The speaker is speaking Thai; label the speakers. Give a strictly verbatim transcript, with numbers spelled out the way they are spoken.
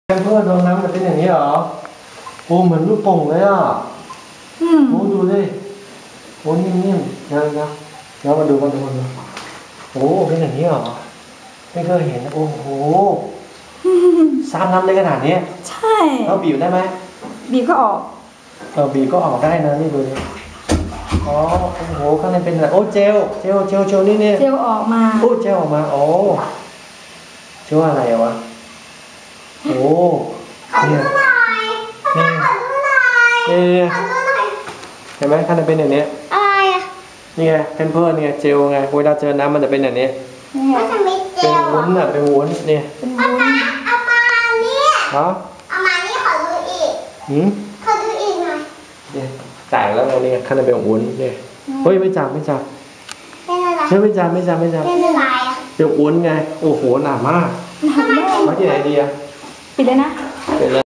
Speaker 1: เพื่อนโดนน้ำมันเป็นอย่างนี้เหรอโอ้เหมือนลูกโป่งเลยอ่ะโอ้ดูดิโอ้นิ่มๆนะนะแล้วมาดูมาดูมาดูโอ้เป็นอย่างนี้เหรอไม่เคยเห็นโอ้โหซ้ำน้ำได้ขนาดนี้
Speaker 2: ใช่
Speaker 1: แล้วบีบได้ไหม
Speaker 2: บีบก็ออก
Speaker 1: เออบีบก็ออกได้นะนี่ดูดิอ๋อโอ้โหข้างในเป็นอะไรโอ้เจลเจลเจลเจลนี่เนี่ย
Speaker 2: เจลออกมา
Speaker 1: โอ้เจลออกมาโอ้เจลอะไรวะโอ้เนี่ยนี่นี่เห็นไหมข้างในเป็นอย่างนี้
Speaker 3: อะไรอ่ะ
Speaker 1: นี่ไงเพนเพิร์เนี่ยเจลไงเวลาเจอน้ำมันจะเป็นอย่างนี้
Speaker 3: มันจะมีเจล
Speaker 1: เป็นวุ้นอ่ะเป็นวุ้นเนี่ย
Speaker 3: เอามาเอามาเนี่ย
Speaker 1: ฮะ
Speaker 3: เอามานี่ขอดูอีก
Speaker 1: หืม
Speaker 3: ขอดูอีกหน่อย
Speaker 1: เนี่ยแตกแล้วเนี่ยข้างในเป็นวุ้นเนี่ยเฮ้ยไม่จับไม่จับ
Speaker 3: เป็นอะไร
Speaker 1: เฮ้ยไม่จับไม่จับไม่จับ
Speaker 3: เป็นอะไรอ่ะ
Speaker 1: เป็นวุ้นไงโอ้โหหนามาก
Speaker 2: หนามาก
Speaker 1: มาที่ไหนดีอ่ะ
Speaker 2: ปิดเลยนะ
Speaker 1: เป็น